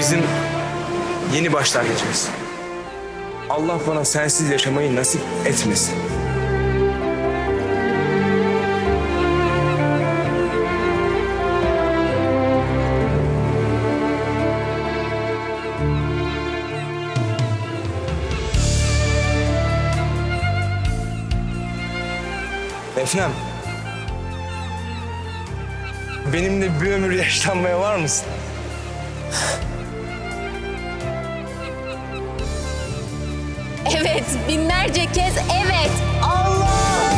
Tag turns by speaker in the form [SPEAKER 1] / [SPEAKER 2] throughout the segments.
[SPEAKER 1] bizim yeni başlangıcımız. Allah bana sensiz yaşamayı nasip etmesin. Efendim, benimle bir ömür yaşlanmaya var mısın?
[SPEAKER 2] Evet, binlerce kez evet. Allah!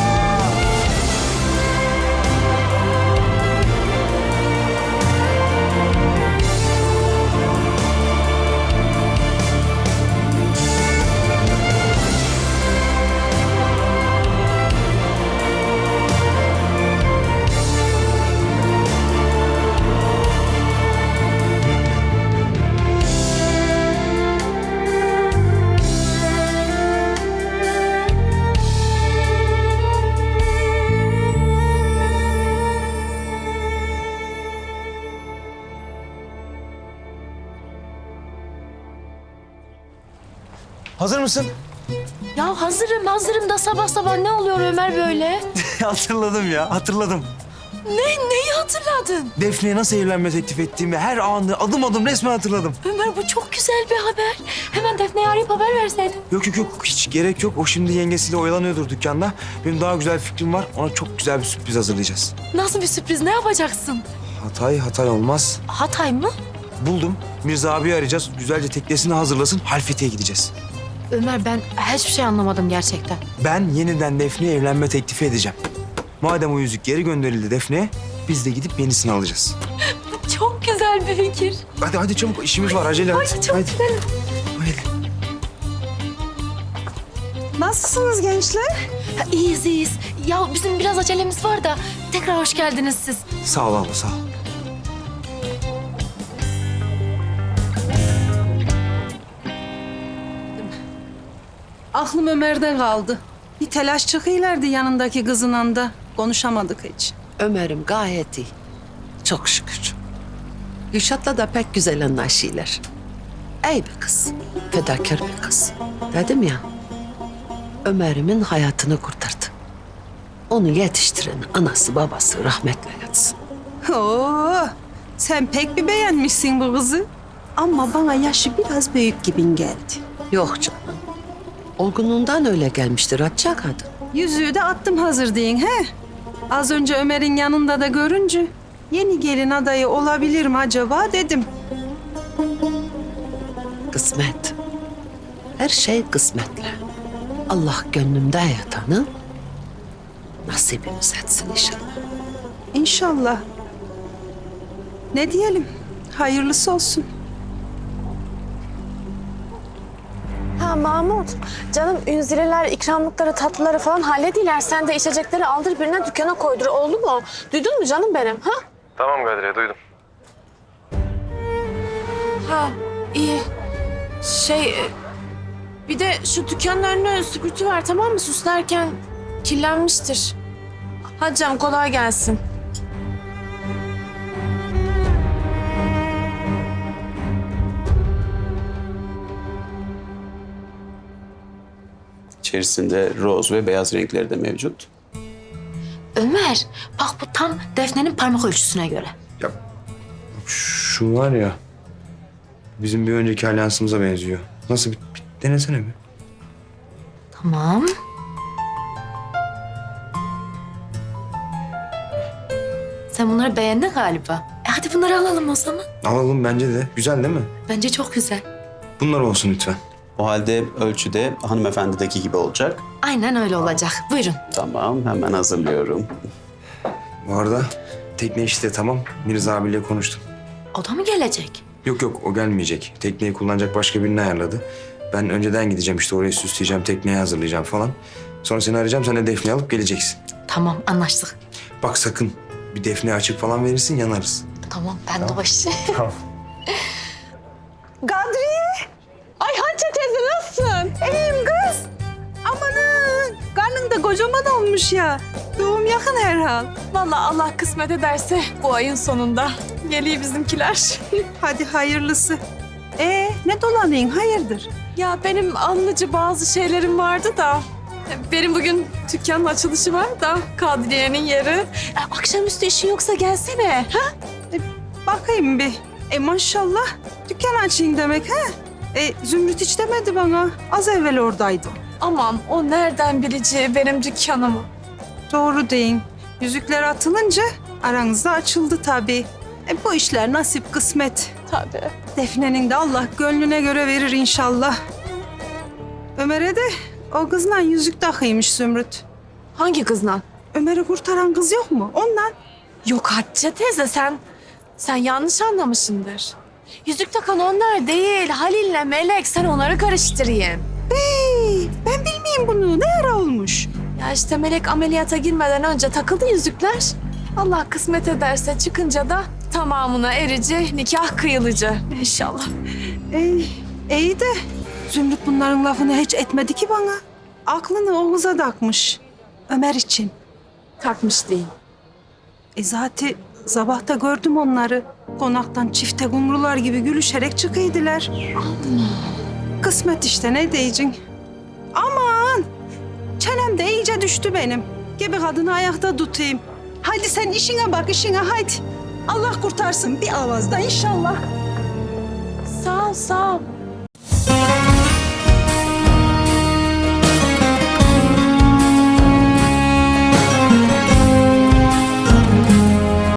[SPEAKER 1] Hazır mısın?
[SPEAKER 2] Ya hazırım da sabah sabah ne oluyor Ömer böyle?
[SPEAKER 1] Hatırladım ya, hatırladım.
[SPEAKER 2] Neyi hatırladın?
[SPEAKER 1] Defne'ye nasıl evlenme teklif ettiğimi her anı adım adım resmen hatırladım.
[SPEAKER 2] Ömer bu çok güzel bir haber. Hemen Defne'ye arayıp haber verseydin.
[SPEAKER 1] Yok, hiç gerek yok. O şimdi yengesiyle oyalanıyordur dükkanda. Benim daha güzel bir fikrim var. Ona çok güzel bir sürpriz hazırlayacağız.
[SPEAKER 2] Nasıl bir sürpriz, ne yapacaksın?
[SPEAKER 1] Hatay olmaz.
[SPEAKER 2] Hatay mı?
[SPEAKER 1] Buldum. Mirza abiyi arayacağız. Güzelce teknesini hazırlasın. Halfeti'ye gideceğiz.
[SPEAKER 2] Ömer ben hiçbir şey anlamadım gerçekten.
[SPEAKER 1] Ben yeniden Defne'ye evlenme teklifi edeceğim. Madem o yüzük geri gönderildi Defne'ye, biz de gidip yenisini alacağız.
[SPEAKER 2] Çok güzel bir fikir.
[SPEAKER 1] Hadi çabuk, işimiz var. Acele et.
[SPEAKER 2] Hadi çok güzel.
[SPEAKER 1] Hadi.
[SPEAKER 3] Nasılsınız gençler?
[SPEAKER 2] Ha, iyiyiz. Ya bizim biraz acelemiz var da tekrar hoş geldiniz siz.
[SPEAKER 1] Sağ ol abla, sağ ol.
[SPEAKER 3] Aklım Ömer'de kaldı. Bir telaş çıkıyorlardı yanındaki kızın anda. Konuşamadık hiç.
[SPEAKER 4] Ömer'im gayet iyi. Çok şükür. Gülşat'la da pek güzel anlaşıyorlar. İyi bir kız. Fedakar bir kız. Dedim ya. Ömer'imin hayatını kurtardı. Onu yetiştiren anası babası rahmetle yatsın.
[SPEAKER 3] Oo, sen pek bir beğenmişsin bu kızı. Ama bana yaşı biraz büyük gibin geldi.
[SPEAKER 4] Yok canım. Olgunluğundan öyle gelmiştir Hatice kadın.
[SPEAKER 3] Yüzüğü de attım hazır deyin he. Az önce Ömer'in yanında da görünce yeni gelin adayı olabilir mi acaba dedim.
[SPEAKER 4] Kısmet. Her şey kısmetle. Allah gönlümde yatanı nasibimiz etsin inşallah.
[SPEAKER 3] İnşallah. Ne diyelim? Hayırlısı olsun.
[SPEAKER 5] Ha Mahmut, canım ünzireler, ikramlıkları, tatlıları falan hallediler. Sen de içecekleri aldır birine dükkana koydur. Oldu mu? Duydun mu canım benim? Ha?
[SPEAKER 6] Tamam Kadriye, duydum.
[SPEAKER 7] Ha iyi. Bir de şu dükkanın önüne süpürtü ver tamam mı? Süslerken kirlenmiştir. Hadi canım kolay gelsin.
[SPEAKER 8] İçerisinde roz ve beyaz renkleri de mevcut.
[SPEAKER 2] Ömer bak bu tam Defne'nin parmak ölçüsüne göre.
[SPEAKER 1] Ya şu var ya, bizim bir önceki alyansımıza benziyor. Nasıl bir denesene bir.
[SPEAKER 2] Tamam. Sen bunları beğendin galiba. Hadi bunları alalım o zaman.
[SPEAKER 1] Alalım bence de. Güzel değil mi?
[SPEAKER 2] Bence çok güzel.
[SPEAKER 1] Bunlar olsun lütfen.
[SPEAKER 8] O halde ölçüde hanımefendideki gibi olacak.
[SPEAKER 2] Aynen öyle olacak. Buyurun.
[SPEAKER 8] Tamam, hemen hazırlıyorum.
[SPEAKER 1] Bu arada tekne işi de tamam. Mirza abiyle konuştum.
[SPEAKER 2] O da mı gelecek?
[SPEAKER 1] Yok, o gelmeyecek. Tekneyi kullanacak başka birini ayarladı. Ben önceden gideceğim işte, orayı süsleyeceğim, tekneyi hazırlayacağım falan. Sonra seni arayacağım, sen de Defne'yi alıp geleceksin.
[SPEAKER 2] Tamam anlaştık.
[SPEAKER 1] Bak sakın bir Defne açık falan verirsin, yanarız.
[SPEAKER 2] Tamam ben de başı.
[SPEAKER 1] Tamam.
[SPEAKER 3] Kadriye! Ay Hatice teyze nasılsın? İyiyim kız. Amanın karnın da kocaman olmuş ya. Doğum yakın herhal.
[SPEAKER 7] Vallahi Allah kısmet ederse bu ayın sonunda geliyor bizimkiler.
[SPEAKER 3] Hadi hayırlısı. mi dolanayım? Hayırdır?
[SPEAKER 7] Ya benim anlıcı bazı şeylerim vardı da. Benim bugün dükkanın açılışı var da Kadriye'nin yeri. Akşamüstü işin yoksa gelsene. Ha?
[SPEAKER 3] Bakayım bir. Maşallah dükkan açayım demek ha? Zümrüt hiç demedi bana. Az evvel oradaydı.
[SPEAKER 7] Aman o nereden bileceği benim dükkanımı.
[SPEAKER 3] Doğru deyin. Yüzükler atılınca aranızda açıldı tabii. Bu işler nasip kısmet.
[SPEAKER 7] Tabii.
[SPEAKER 3] Defne'nin de Allah gönlüne göre verir inşallah. Ömer'e de o kızla yüzük takıymış Zümrüt.
[SPEAKER 7] Hangi kızla?
[SPEAKER 3] Ömer'i kurtaran kız yok mu? Ondan.
[SPEAKER 7] Yok Hatice teyze sen yanlış anlamışsındır. Yüzük takan onlar değil. Halil'le Melek sen onları karıştırayım.
[SPEAKER 3] Ben bilmeyeyim bunu. Ne ara olmuş?
[SPEAKER 7] Ya işte Melek ameliyata girmeden önce takıldı yüzükler. Allah kısmet ederse çıkınca da tamamına erici nikah kıyılıcı inşallah.
[SPEAKER 3] İyi de Zümrüt bunların lafını hiç etmedi ki bana. Aklını o kıza takmış. Ömer için.
[SPEAKER 7] Takmış değil.
[SPEAKER 3] Zaten sabah da gördüm onları. Konaktan çifte kumrular gibi gülüşerek çıkıydılar. Kısmet işte ne diyeceksin? Aman! Çenem de iyice düştü benim. Gibi kadını ayakta tutayım. Hadi sen işine bak işine hadi. Allah kurtarsın bir avazda inşallah.
[SPEAKER 7] Sağ ol.